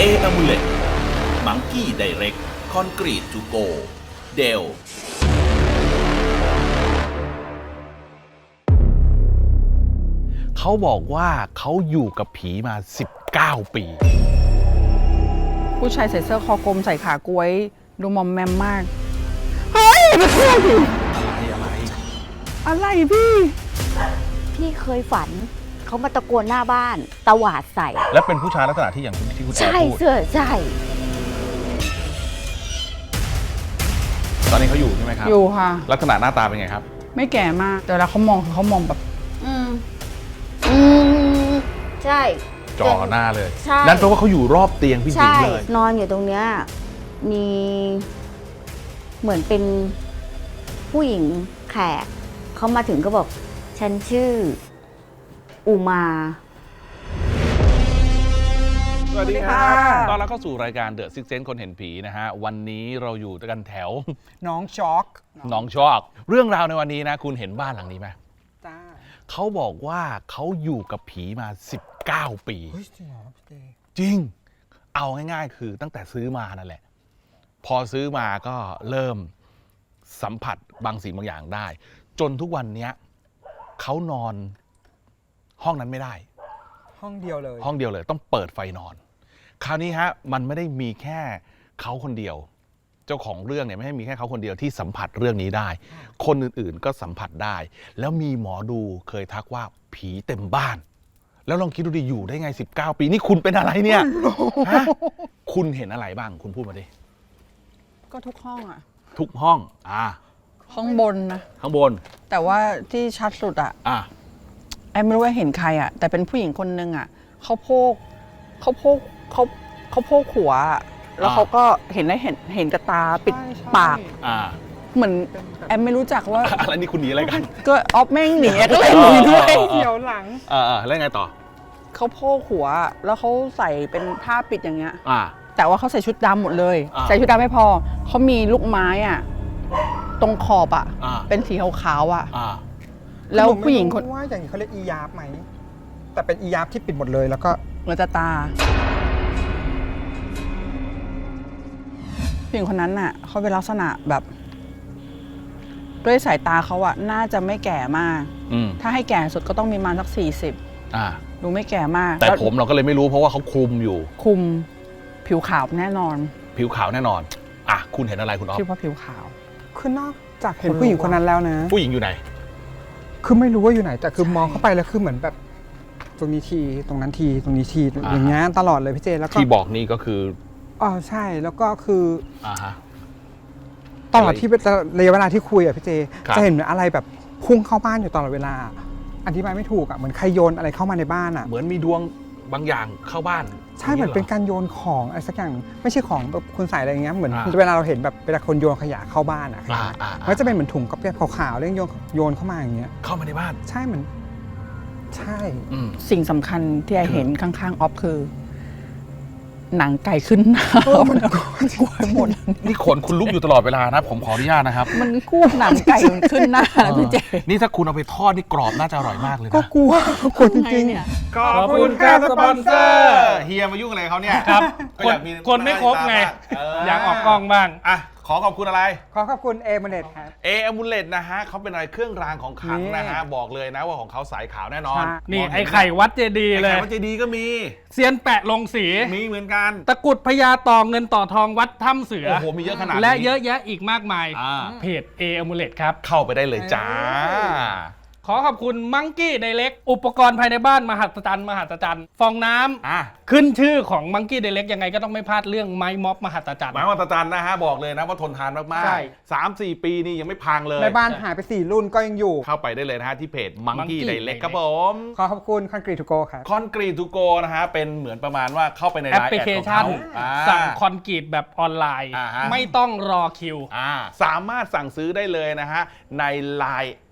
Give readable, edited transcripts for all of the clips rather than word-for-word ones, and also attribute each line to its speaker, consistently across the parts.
Speaker 1: Amulet Monkey Direct Concrete to Go Dell
Speaker 2: เขาบอกว่าเขาอยู่กับผีมา19 ปี
Speaker 3: ผู้ชายใส่เสื้อคอกลมใส่ขากล้วยดูมอมแมมมาก เฮ้ยไม่ใช่อะไรพี่
Speaker 4: พี่เคยฝันเขามาตะโกนหน้าบ้านตวาดใส่
Speaker 2: และเป็นผู้ชายลักษณะที่อย่างที่คุณแอ
Speaker 4: ใช่
Speaker 2: ร์พูด
Speaker 4: เสื้อใช่
Speaker 2: ตอนนี้เขาอยู่ใช่ไหมครับ
Speaker 3: อยู่ค่ะ
Speaker 2: ลักษณะหน้าตาเป็นไงครับ
Speaker 3: ไม่แก่มาก แต่เวลาเขามองคือเขามองแบบ
Speaker 4: อืมใช่
Speaker 2: จ่อหน้าเลย
Speaker 4: ใช่
Speaker 2: นั่นแปลว่าเขาอยู่รอบเตียงพี่หญิ
Speaker 4: ใช่
Speaker 2: งเลย
Speaker 4: นอนอยู่ตรงเนี้ยมีเหมือนเป็นผู้หญิงแขกเขามาถึงก็บอก ฉันชื่ออุมา
Speaker 2: สวัสดีครั
Speaker 3: สวัสดีค่ะ
Speaker 2: ตอนเราเข้าสู่รายการ The Sixth Sense คนเห็นผีนะฮะ วันนี้เราอยู่กันแถว
Speaker 5: น้องช็อก
Speaker 2: หนองชอกเรื่องราวในวันนี้นะ คุณเห็นบ้านหลังนี้ไหม
Speaker 5: จ้า
Speaker 2: เขาบอกว่าเขาอยู่กับผีมา19 ปี
Speaker 5: เฮ้ยจริงเหรอพี่เจ
Speaker 2: จริง เอาง่ายๆ คือตั้งแต่ซื้อมานั่นแหละ พอซื้อมาก็เริ่มสัมผัสบางสิ่งบางอย่างได้ จนทุกวันนี้เขานอนห้องนั้นไม่ได้
Speaker 5: ห้องเดียวเลย
Speaker 2: ห้องเดียวเลยต้องเปิดไฟนอน คราวนี้ฮะมันไม่ได้มีแค่เขาคนเดียว เจ้าของเรื่องเนี่ยไม่ได้มีแค่เขาคนเดียวที่สัมผัสเรื่องนี้ได้ คนอื่นๆก็สัมผัสได้ แล้วมีหมอดูเคยทักว่าผีเต็มบ้าน แล้วลองคิดดูดิอยู่ได้ไง19 ปีนี่คุณเป็นอะไรเนี่ยฮะคุณเห็นอะไรบ้างคุณพูดมาดิ
Speaker 3: ก็ทุกห้องอะ
Speaker 2: ทุกห้อง
Speaker 3: ห้องบนนะ
Speaker 2: ข้างบน
Speaker 3: แต่ว่าที่ชัดสุดอะ แอมไม่รู้ว่าเห็นใครอะแต่เป็นผู้หญิงคนนึงอะเขาโพกหัวอะแล้วเขาก็เห็นกับตาปิดปาก เหมือนแอมไม่รู้จักว่า
Speaker 2: อะไรนี่คุณหนีอะไรกัน
Speaker 3: ก็ออฟแม่งหนีก็เลยหนีด้วย
Speaker 5: เดี๋ยวหลัง
Speaker 2: แล้วไงต่อ
Speaker 3: เขาโพกหัวแล้วเขาใส่เป็นผ้าปิดอย่างเงี้ย
Speaker 2: อ่า
Speaker 3: แต่ว่าเขาใส่ชุดดำหมดเลย
Speaker 2: อ่า
Speaker 3: ใส่ชุดดำไม่พอเขามีลูกไม้อะตรงขอบอะ
Speaker 2: อ่า
Speaker 3: เป็นสีขาวๆอะ
Speaker 2: อ่า
Speaker 3: แล้วผู้หญิงคน
Speaker 5: ว่าอย่างนี้เขาเรียกอียาบไหม แต่เป็นอียาบที่ปิดหมดเลยแล้วก็
Speaker 3: เหมือนจะตาผู้หญิงคนนั้นน่ะเขาเป็นลักษณะแบบ ด้วยสายตาเขาอะน่าจะไม่แก่มาก ถ้าให้แก่สุดก็ต้องมีประมาณสัก40ดูไม่แก่มาก
Speaker 2: แต่
Speaker 3: ล้ว
Speaker 2: ผมเราก็เลยไม่รู้เพราะว่าเขาคลุมอยู่
Speaker 3: คุมผิวขาวแน่นอน
Speaker 2: ผิวขาวแน่นอนคุณเห็นอะไรคุณอ๊อฟ
Speaker 3: คิดว่าผิวขาว
Speaker 5: คือนอกจากเห็นผู้หญิงคนนั้นแล้วนะ
Speaker 2: ผู้หญิงอยู่ไหน
Speaker 5: คือไม่รู้ว่าอยู่ไหน แต่คือมองเข้าไปแล้วคือเหมือนแบบ ตรงนี้ทีตรงนั้นทีตรงนี้ทีอย่างเงี้ยตลอดเลยพี่เจแล้วก็
Speaker 2: ที่บอกนี่ก็คือ
Speaker 5: อ๋อใช่แล้วก็คือ
Speaker 2: ฮะ
Speaker 5: ตลอดที่ระยะเวลาที่คุยอะพี่เจ
Speaker 2: ครับ
Speaker 5: จะเห็นอะไรแบบพุ่งเข้าบ้านอยู่ตลอดเวลา อธิบายไม่ถูกอะเหมือนใครโยนอะไรเข้ามาในบ้านอะ
Speaker 2: เหมือนมีดวงบางอย่างเข้าบ้าน
Speaker 5: ใช่เหมือนเป็นการโยนของอะไรสักอย่างไม่ใช่ของแบบคุณใส่อะไรอย่างเงี้ยเหมือน
Speaker 2: อ่า
Speaker 5: เวลาเราเห็นแบบเวลาคนโยนขยะเข้าบ้านอะ
Speaker 2: อ่า
Speaker 5: มันจะเป็นเหมือนถุงกระเปียบขาวๆเรื่องโยนเข้ามาอย่างเงี้ย
Speaker 2: เข้ามาในบ้าน
Speaker 5: ใช่เหมือนใช่
Speaker 3: สิ่งสำคัญที่ไอเห็นข้างๆออฟคือ หนังไก่ขึ้นหน้ามันกลัวหมด
Speaker 2: นี่ขนคุณลุกอยู่ตลอดเวลานะ ผมขออนุญาตนะครับ
Speaker 3: มันกู้หนังไก่มันขึ้นหน้าพี่เจ
Speaker 2: นี่ถ้าคุณเอาไปทอดนี่กรอบน่าจะอร่อยมากเลย
Speaker 5: ก็
Speaker 2: นะ
Speaker 5: กลัวคนจริง
Speaker 3: เนี่ย
Speaker 5: ๆขอบคุณครับสปอนเซอร์
Speaker 2: เฮียมายุ่งอะไรเขาเนี่ย
Speaker 6: ครับ
Speaker 2: ก็อยากมี
Speaker 6: คนไม่ครบไง อยากออกกล้องบ้าง
Speaker 2: ขอขอบคุณอะไร
Speaker 5: ขอขอบคุณเอเมเนตครับ
Speaker 2: Amulet นะฮะเขาเป็นอะไรเครื่องรางของขลังนะฮะ บอกเลยนะว่าของเขาสายขาวแน่นอน
Speaker 5: ใช่
Speaker 6: นี่
Speaker 2: มงเห็
Speaker 6: ไอ้ไข่วัดเจดีย์
Speaker 2: ไอ้
Speaker 6: เล
Speaker 2: ไข่
Speaker 6: ย
Speaker 2: วัดเจดีย์ก็มี
Speaker 6: เซียนแปะลงสี
Speaker 2: มีเหมือนกัน
Speaker 6: ตะกรุดพญาต่อเงินต่อทองวัดถ้ำเสือ
Speaker 2: โอ้โหมีเยอะขนาดนี้
Speaker 6: และเยอะแยะอีกมากมาย เพจ Amulet ครับ
Speaker 2: เข้าไปได้เลยจ้า
Speaker 6: ขอขอบคุณมังกี้ไดเล็กอุปกรณ์ภายในบ้านมหัศจรรย์ฟองน้ำขึ้นชื่อของมังกี้ไดเล็กยังไงก็ต้องไม่พลาดเรื่องไม้ม็อบมหัศจรรย์
Speaker 2: หมายว่าตาจันนะฮะ บอกเลยนะว่าทนทานมาก
Speaker 6: ใช่
Speaker 2: ๆ 3-4 ปีนี่ยังไม่พังเลย
Speaker 5: ในบ้านหายไป4รุ่นก็ยังอยู่
Speaker 2: เข้าไปได้เลยนะฮะ ที่เพจ Monkey
Speaker 6: Monkey
Speaker 2: Direct
Speaker 6: Direct
Speaker 2: ครับผม
Speaker 5: ขอขอบคุณคอนกรีตทูโกครับ
Speaker 2: คอนกรีตทูโกนะฮะ เป็นเหมือนประมาณว่าเข้าไปใน
Speaker 6: แอป
Speaker 2: ไลน์
Speaker 6: พลิ
Speaker 2: แอด
Speaker 6: เค
Speaker 2: ของ
Speaker 6: ชัน
Speaker 2: เขา
Speaker 6: สั่งคอนกรีตแบบออนไลน์
Speaker 2: อ่าฮะ
Speaker 6: ไม่ต้องรอคิว
Speaker 2: สามารถสั่งซื้อได้เลยนะฮะ ใน Line แอด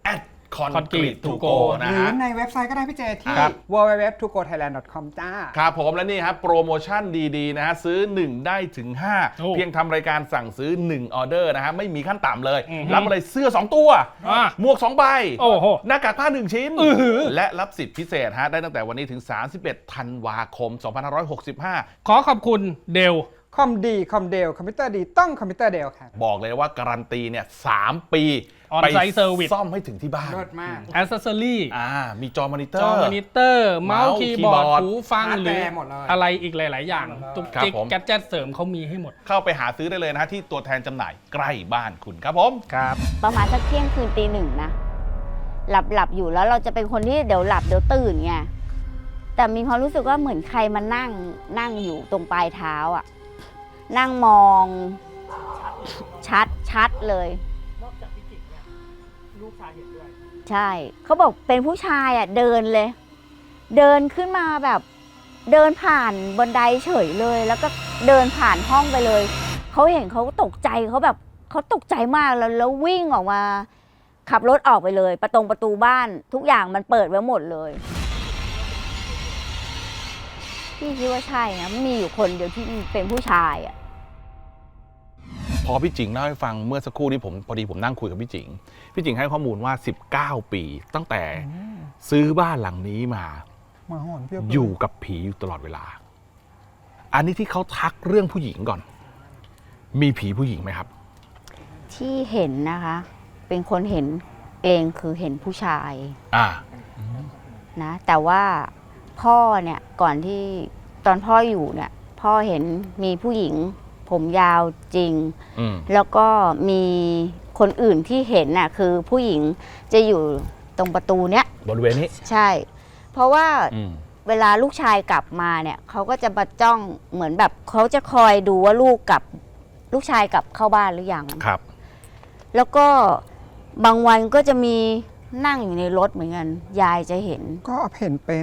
Speaker 2: Concrete to go นะ
Speaker 5: หรือ
Speaker 2: ฮะ
Speaker 5: ในเว็บไซต์ก็ได้พี่เจที่
Speaker 2: ครับ
Speaker 5: www.togothailand.com จ้า
Speaker 2: ครับผมและนี่ครับโปรโมชั่นดีๆนะฮะซื้อ 1 ได้ถึง
Speaker 6: โอ้
Speaker 2: 5 เพียงทำรายการสั่งซื้อ 1 ออเดอร์นะฮะไม่มีขั้นต่ำเลย
Speaker 6: อือฮึ
Speaker 2: รับอะไรเสื้อ 2 ตัว
Speaker 6: อ่ะ
Speaker 2: หมวก 2 ใบ
Speaker 6: โอ้โห
Speaker 2: หน้ากากผ้า 1 ชิ้น
Speaker 6: อื้อหือ
Speaker 2: และรับสิทธิพิเศษฮะได้ตั้งแต่วันนี้ถึง 31 ธันวาคม 2565
Speaker 6: ขอขอบคุณเดล
Speaker 5: คอมดีคอมเดลคอมพิวเตอร์ดีต้องคอมพิวเตอร์เดลครับ
Speaker 2: บอกเลยว่าการันตีเนี่ย3 ปี
Speaker 6: On-site service
Speaker 2: ซ่อมให้ถึงที่บ้าน
Speaker 5: เลิศมาก
Speaker 6: แอสเซสซอรี่
Speaker 2: มีจอมอนิเตอ
Speaker 6: จอ
Speaker 2: ร์
Speaker 6: มอนิเตอร์ เมาส์คีย์บอร์ด
Speaker 2: คีย์บอร์ด
Speaker 6: หูฟัง
Speaker 5: ฮาร์ด
Speaker 6: หรือ
Speaker 5: แวร์หมดเลย
Speaker 6: อะไรอีกหลาย ๆ อย่างตุก
Speaker 2: ครับ
Speaker 6: จิก
Speaker 2: ผม
Speaker 6: แกดเจ็ตเสริมเขามีให้หมด
Speaker 2: เข้าไปหาซื้อได้เลยนะฮะที่ตัวแทนจำหน่ายใกล้บ้านคุณครับผม
Speaker 6: ครับ
Speaker 4: ประมาณสักเที่ยงคืนตี 1นะหลับอยู่แล้วเราจะเป็นคนที่เดี๋ยวหลับเดี๋ยวตื่นไงแต่มีความรู้สึกว่าเหมือนใครมานั่งอยู่ตรงปลายเท้าอ่ะนั่งมองชัดเลยนอกจากพี่จิกเนี่ยลูกชายเห็นด้วยใช่เขาบอกเป็นผู้ชายอ่ะเดินเลย เดินขึ้นมาแบบเดินผ่านบันไดเฉยเลย แล้วก็เดินผ่านห้องไปเลยเขาเห็นเขาตกใจเขาแบบเขาตกใจมากแล้ววิ่งออกมาขับรถออกไปเลยประตูบ้านทุกอย่างมันเปิดไว้หมดเลยพี่คิดว่าใช่นะมีอยู่คนเดียวที่เป็นผู้ชายอ่ะ
Speaker 2: พอพี่จิงเล่าให้ฟังเมื่อสักครู่นี้พอดีผมนั่งคุยกับพี่จิงให้ข้อมูลว่า 19 ปี ตั้งแต่ซื้อบ้านหลังนี้มา
Speaker 5: มาหอนเพียบเล
Speaker 2: อยู่กับผีอยู่ตลอดเวลา อันนี้ที่เขาทักเรื่องผู้หญิงก่อน มีผีผู้หญิงไหมครับ
Speaker 4: ที่เห็นนะคะ เป็นคนเห็นเองคือเห็นผู้ชาย
Speaker 2: อ่า
Speaker 4: นะแต่ว่าพ่อเนี่ยก่อนที่ตอนพ่ออยู่เนี่ยพ่อเห็นมีผู้หญิงผมยาวจริง
Speaker 2: อืม
Speaker 4: แล้วก็มีคนอื่นที่เห็นน่ะคือผู้หญิงจะอยู่ตรงประตูเนี้ย
Speaker 2: บริเวณนี้
Speaker 4: ใช่ เพราะว่า
Speaker 2: อืม
Speaker 4: เวลาลูกชายกลับมาเนี่ยเขาก็จะมาจ้องเหมือนแบบเขาจะคอยดูว่าลูกชายกลับเข้าบ้านหรือยัง
Speaker 2: ครับ
Speaker 4: แล้วก็บางวันก็จะมีนั่งอยู่ในรถเหมือนกันยายจะเห็น
Speaker 5: ก็เห็นเป็น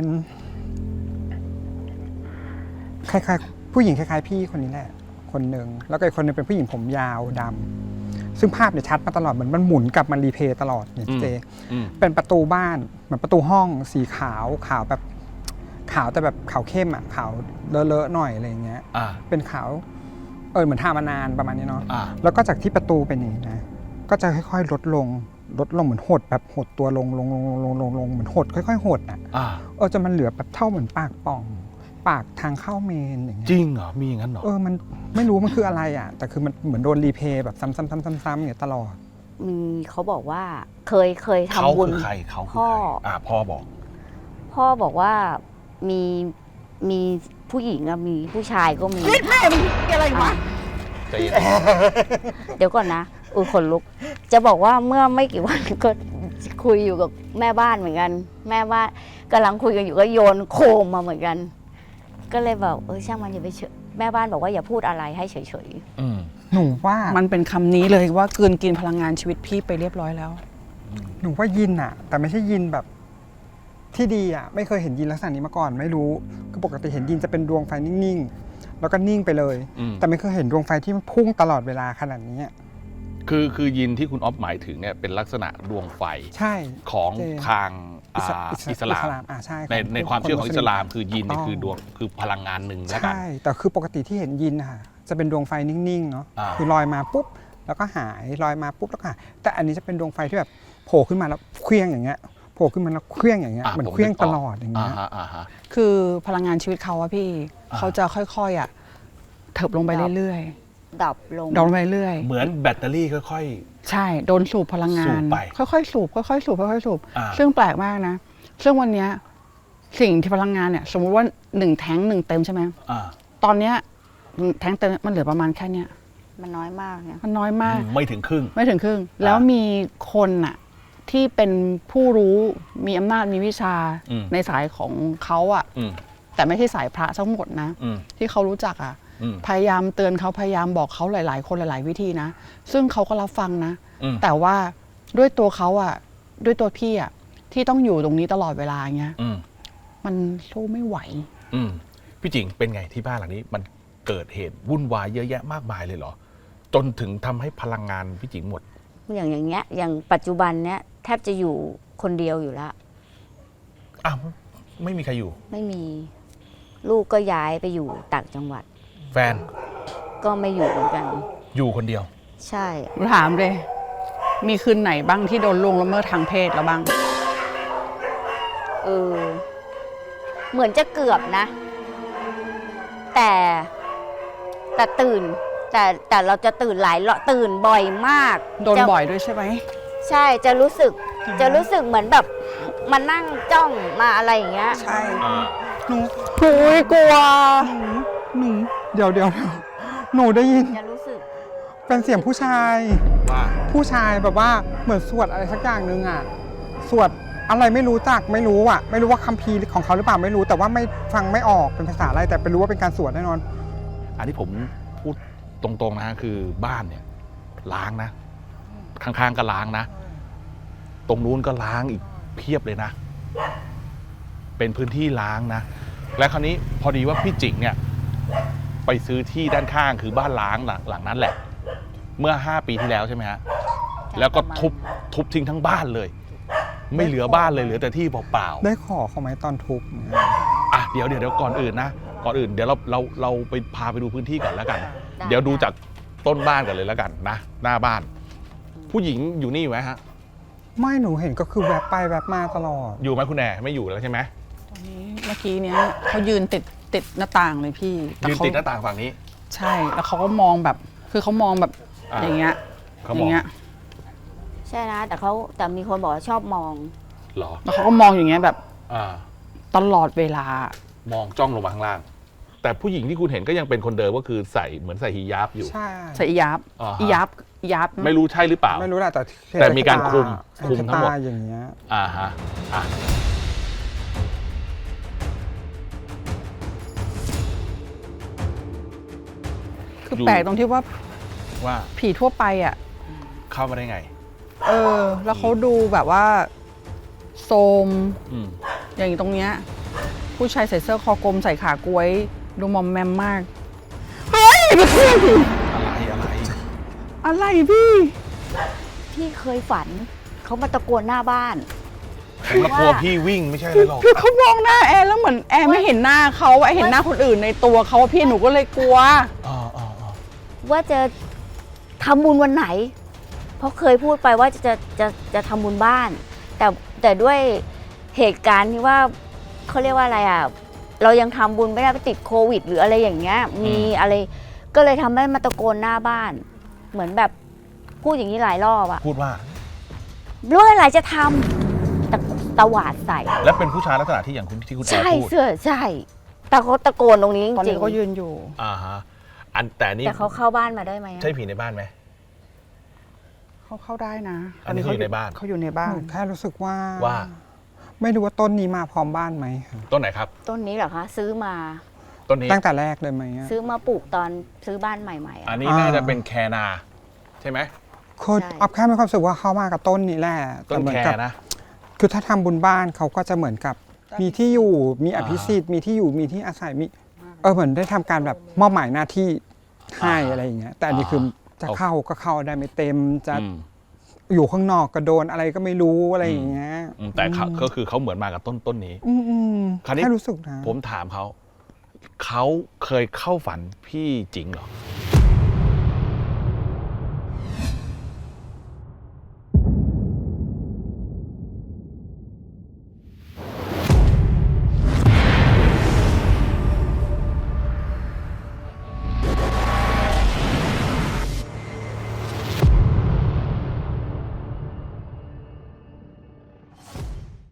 Speaker 5: คล้ายๆผู้หญิงคล้ายๆพี่คนนี้แหละคนหนึ่งแล้วก็อีกคนหนึงเป็นผู้หญิงผมยาวดำซึ่งภาพเนี่ยชัดมาตลอดเหมือนมันหมุนกลับมารีเพย์ตลอดเนี่ยเจ
Speaker 2: อืม
Speaker 5: เป็นประตูบ้านเหมือนประตูห้องสีขาวแบบขาวแต่แบบขาวเข้มอ่ะขาวเลอะๆหน่อยอะไรอย่างเงี้ย
Speaker 2: อ่า
Speaker 5: เป็นขาวเหมือนทามานานประมาณนี้เนาะ
Speaker 2: อ่า
Speaker 5: แล้วก็จากที่ประตูเป็นอย่างนี้นะก็จะค่อยๆลดลงเหมือนหดแบบหดตัวลงเหมือนหดค่อยๆหดอ่ะ
Speaker 2: อ่า
Speaker 5: จนมันเหลือแบบเท่าเหมือนปากป่อง ปากทางเข้าเมนอย่างเงี้ย
Speaker 2: จริงเหรอ มีอย่างนั้นเหรอ
Speaker 5: มันไม่รู้มันคืออะไรอ่ะแต่คือมันเหมือนโดนรีเพย์แบบซ้ำๆๆๆอย่างเงี้ยตลอด
Speaker 4: มีเขาบอกว่าเคย
Speaker 2: เขา
Speaker 4: ทำบุญ
Speaker 2: คือใครเขาคือ
Speaker 4: พ่อ
Speaker 2: ใครพ่อบอก
Speaker 4: พ่อบอกว่ามีผู้หญิงอะมีผู้ชายก็มี
Speaker 3: แม่มันอะไรวะ
Speaker 2: ใจเย็น
Speaker 4: เดี๋ยวก่อนนะขนลุก จะบอกว่าเมื่อไม่กี่วันก็คุยอยู่กับแม่บ้านเหมือนกัน แม่บ้านกำลังคุยกันอยู่ก็โยนโคมมาเหมือนกัน ก็เลยบอกช่างมันอย่าไปเฉยแม่บ้านบอกว่าอย่าพูดอะไรให้เฉย
Speaker 2: อืม
Speaker 5: หนูว่า
Speaker 3: มันเป็นคำนี้เลยว่ากลืนกินพลังงานชีวิตพี่ไปเรียบร้อยแล้ว
Speaker 5: หนูว่ายินอ่ะ แต่ไม่ใช่ยินแบบที่ดีอ่ะไม่เคยเห็นยินลักษณะนี้มาก่อนไม่รู้คือปกติเห็นยินจะเป็นดวงไฟนิ่งๆแล้วก็นิ่งไปเลย
Speaker 2: อืม
Speaker 5: แต่ไม่เคยเห็นดวงไฟที่มันพุ่งตลอดเวลาขนาดนี้อะ
Speaker 2: คือยินที่คุณอ๊อฟหมายถึงเนี่ยเป็นลักษณะดวงไฟ
Speaker 5: ใช่
Speaker 2: ของ
Speaker 5: เจ
Speaker 2: ทางอิสลาม
Speaker 5: ใช่
Speaker 2: ในความเชื่อของอิสลามคือยินเนี่ย
Speaker 5: ถูกต้อง
Speaker 2: คือดวงคือพลังงานหนึ่งแล้วกัน
Speaker 5: ใช่แต่คือปกติที่เห็นยินค่ะจะเป็นดวงไฟนิ่งๆเนาะ
Speaker 2: อ่า
Speaker 5: คือลอยมาปุ๊บแล้วก็หายลอยมาปุ๊บแล้วก็หายแต่อันนี้จะเป็นดวงไฟที่แบบโผล่ขึ้นมาแล้วเคลี้ยงอย่างเงี้ยโผล่ขึ้นมาแล้วเคลี้ยงอย่างเงี้ยเหมือนเคลี้ยงตลอดอย่างเงี้ย
Speaker 2: ฮะ
Speaker 3: คือพลังงานชีวิตเขาอะพี่ เขาจะค่อยๆอะเถิบลงไปเรื่อย
Speaker 4: ๆดับลง
Speaker 3: ๆดอนไปเรื่อย
Speaker 2: เหมือนแบตเตอรี่ค่อย
Speaker 3: ใช่โดนสูบพลังงา
Speaker 2: สู
Speaker 3: น
Speaker 2: บไป
Speaker 3: ค่อยๆสูบค่อยๆสูบค่อยๆสูบ
Speaker 2: อ่า
Speaker 3: ซึ่งแปลกมากนะ ซึ่งวันเนี้ยสิ่งที่พลังงานเนี่ย สมมุติว่า1 แท้ง 1 เต็มใช่ไหม
Speaker 2: ๆอ่า
Speaker 3: ตอนเนี้ยแท้งเต็มมันเหลือประมาณแค่เนี้ย
Speaker 4: มันน้อยมากเนี่ย
Speaker 3: มันน้อยมาก
Speaker 2: ไม่ถึงครึ่ง
Speaker 3: ไม่ถึงครึ่ง แล้วมีคนอะที่เป็นผู้รู้มีอำนาจมีวิชา
Speaker 2: อืม
Speaker 3: ในสายของเขาอะ
Speaker 2: อืม
Speaker 3: แต่ไม่ใช่สายพระทั้งหมดนะ
Speaker 2: อืม
Speaker 3: ที่เขารู้จักอะ
Speaker 2: อืม
Speaker 3: พยายามเตือนเขาพยายามบอกเขาหลาย ๆ คนหลาย ๆ วิธีนะ ซึ่งเขาก็รับฟังนะ
Speaker 2: อืม
Speaker 3: แต่ว่าด้วยตัวเขาอะด้วยตัวพี่อะที่ต้องอยู่ตรงนี้ตลอดเวลาเงี้ย
Speaker 2: อืม
Speaker 3: มันสู้ไม่ไหว
Speaker 2: อืมพี่จิงเป็นไงที่บ้านหลังนี้ มันเกิดเหตุวุ่นวายเยอะแยะมากมายเลยเหรอ จนถึงทำให้พลังงานพี่จิงหมด
Speaker 4: อย่างเงี้ยอย่างปัจจุบันเนี้ยแทบจะอยู่คนเดียวอยู่แล้ว
Speaker 2: อ้าวไม่มีใครอยู่
Speaker 4: ไม่มี ลูกก็ย้ายไปอยู่ต่างจังหวัด
Speaker 2: แฟน
Speaker 4: ก็ไม่อยู่เหมือนกัน
Speaker 2: อยู่คนเดียว
Speaker 4: ใช่
Speaker 3: ถามเลย มีคืนไหนบ้างที่โดนล่วงละเมิดทางเพศแล้วบ้าง
Speaker 4: เหมือนจะเกือบนะ แต่ตื่น แต่เราจะตื่นหลายรอบตื่นบ่อยมาก
Speaker 3: โดนบ่อยด้วยใช่ไหม
Speaker 4: ใช่จะรู้สึกเหมือนแบบมานั่งจ้องมาอะไรอย่างเงี้ย
Speaker 5: ใช่หนู
Speaker 3: หุยกลัว
Speaker 5: หนูเดี๋ยวหนูได้ยิน
Speaker 4: จะรู้สึก
Speaker 5: เป็นเสียงผู้ชาย
Speaker 2: ว่า
Speaker 5: ผู้ชายแบบว่าเหมือนสวดอะไรสักอย่างหนึ่งอ่ะสวดอะไรไม่รู้จักไม่รู้อ่ะไม่รู้ว่าคัมภีร์ของเขาหรือเปล่าไม่รู้แต่ว่าไม่ฟังไม่ออกเป็นภาษาอะไรแต่เป็นรู้ว่าเป็นการสวดแน่นอน
Speaker 2: อันนี้ผมพูดตรงๆนะคือบ้านเนี่ยล้างนะ ข้างๆก็ล้างนะ ตรงนู้นก็ล้างอีกเพียบเลยนะ เป็นพื้นที่ล้างนะ และคราวนี้พอดีว่าพี่จิงเนี่ยไปซื้อที่ด้านข้างคือบ้านล้างหลังนั้นแหละ เมื่อ5 ปีที่แล้วใช่ไหมฮะแล้วก็ทุบทิ้งทั้งบ้านเลย ไม่เหลือบ้านเลยเหลือแต่ที่เปล่าๆ
Speaker 5: ได้ขอเขาไหมตอนทุบเนี่ย
Speaker 2: อ่ะเดี๋ยวก่อนอื่นนะก่อนอื่นเดี๋ยวเราไปพาไปดูพื้นที่ก่อนแล้วกัน
Speaker 4: ได้
Speaker 2: เดี๋ยวดูจากต้นบ้านกันเลยแล้วกันนะหน้าบ้าน ผู้หญิงอยู่นี่อยู่ไหมฮะ
Speaker 5: ไม่หนูเห็นก็คือแวบไปแวบมาตลอด
Speaker 2: อยู่ไหมคุณแหน่ไม่อยู่แล้วใช่ไหม
Speaker 3: ตอนนี้เมื่อกี้เนี้ยเขายืนติดหน้าต่างเลยพี่
Speaker 2: ยืนติดหน้าต่างฝั่งนี้
Speaker 3: ใช่ แล้วเขาก็มองแบบ คือเขามองแบบ
Speaker 2: อ่า
Speaker 3: อย่างเงี้ย
Speaker 2: เขา
Speaker 3: อ
Speaker 2: มอง
Speaker 3: ย่างเงี้ย
Speaker 4: ใช่นะแต่มีคนบอกว่าชอบมอง
Speaker 2: เหรอ
Speaker 3: แล้วเขาก็มองอย่างเงี้ยแบบ
Speaker 2: อ่า
Speaker 3: ตลอดเวลา
Speaker 2: มองจ้องลงมาข้างล่าง แต่ผู้หญิงที่คุณเห็นก็ยังเป็นคนเดิมก็คือใส่เหมือนใส่ฮิญาบอยู่
Speaker 5: ใช่
Speaker 3: ใส่อียับ
Speaker 2: อ่าฮะ
Speaker 3: อียับอียับ
Speaker 2: ไม่รู้ใช่หรือเปล่า
Speaker 5: ไม่รู้แหละแต่
Speaker 2: แต่มีการคลุมทั้งหมด
Speaker 5: ตาอย่างเงี้ย
Speaker 2: อ่าฮะอ่ะ
Speaker 3: คือแปลกตรงที่ว่า
Speaker 2: ว่า
Speaker 3: ผีทั่วไปอ่ะ
Speaker 2: เข้ามาได้ไง
Speaker 3: แล้วเขาดูแบบว่าโทรม
Speaker 2: อืม
Speaker 3: อย่างตรงเนี้ยผู้ชายใส่เสื้อคอกลมใส่ขากล้วย ดูมอมแมมมาก เฮ้ยพี่ อะไรพี่
Speaker 4: พี่เคยฝัน เขามาตะโกนหน้าบ้าน
Speaker 2: ผมละกลัวพี่วิ่งไม่ใช่เลยหรอก
Speaker 3: คือเขามองหน้าแอร์แล้วเหมือนแอร์ไม่เห็นหน้าเขาแอร์เห็นหน้าคนอื่นในตัวเขาพี่หนูก็เลยกลัว
Speaker 2: อ๋อ
Speaker 4: ว่าจะทำบุญวันไหน เพราะเคยพูดไปว่าจะทำบุญบ้าน แต่ด้วยเหตุการณ์ที่ว่าเขาเรียกว่าอะไรอ่ะ เรายังทำบุญไม่ได้ไปติดโควิด หรืออะไรอย่างเงี้ย มีอะไร ก็เลยทำให้มาตะโกนหน้าบ้าน เหมือนแบบพูดอย่างนี้หลายรอบอะ
Speaker 2: พูดว่า
Speaker 4: เรื่องอะไรจะทำตะหวาดใส่
Speaker 2: แล้วเป็นผู้ชายลักษณะที่อย่างคุณที่คุณแอ
Speaker 4: ใช่
Speaker 2: ร์พูด
Speaker 4: เสื้อใช่ แต่เขาตะโกนตรงนี้จ
Speaker 3: ตอน
Speaker 4: ริ
Speaker 3: นี้
Speaker 4: ง
Speaker 3: ก็ยืนอยู่
Speaker 2: อ่าฮะแต่
Speaker 4: ๆ
Speaker 2: นี่
Speaker 4: แต่เขาเข้าบ้านมาได้ไหมอะ
Speaker 2: ใช่ผีในบ้านไหม
Speaker 3: เขาเข้าได้นะ
Speaker 2: อันนี้เขาอยู่ในบ้าน
Speaker 3: เขาอยู่ในบ้า
Speaker 5: ห
Speaker 3: น
Speaker 5: นูแค่รู้สึกว่า
Speaker 2: ว่า
Speaker 5: ไม่รู้ว่าต้นนี้มาพร้อมบ้านไหมคะ
Speaker 2: ต้นไหนครับ
Speaker 4: ต้นนี้เหรอคะ ซื้อมา
Speaker 2: ต้นนี้
Speaker 5: ตั้งแต่แรกเลยไหมอะ
Speaker 4: ซื้อมาปลูกตอนซื้อบ้านใหม่ๆอะ
Speaker 2: อันนี้น่าจะเป็นแคนาใช่ไหม
Speaker 5: คือ
Speaker 4: ใช่
Speaker 5: ออฟแค่มีความรู้สึกว่าเขามากับต้นนี้แหละ
Speaker 2: ต้น
Speaker 5: เหมื
Speaker 2: แค
Speaker 5: กับ
Speaker 2: นะ
Speaker 5: คือถ้าทำบุญบ้านเขาก็จะเหมือนกับมีที่อยู่มีอภิสิทธิ์มีที่อยู่มีที่อาศัยมีเหมือนได้ทำการแบบมอบหมายหน้าที่ให้อะไรอย่างเงี้ยแต่อันนี้คือจะเข้าก็เข้าได้ไม่เต็มจะ
Speaker 2: อืม
Speaker 5: อยู่ข้างนอกก็โดนอะไรก็ไม่รู้อะไรอย่างเงี้ย
Speaker 2: แต่ก็คือเขาเหมือนมากับต้นนี้
Speaker 5: อืม
Speaker 2: คราวนี้
Speaker 5: แค่รู้สึกนะ
Speaker 2: ผมถามเขาเคยเข้าฝันพี่จริงเหรอ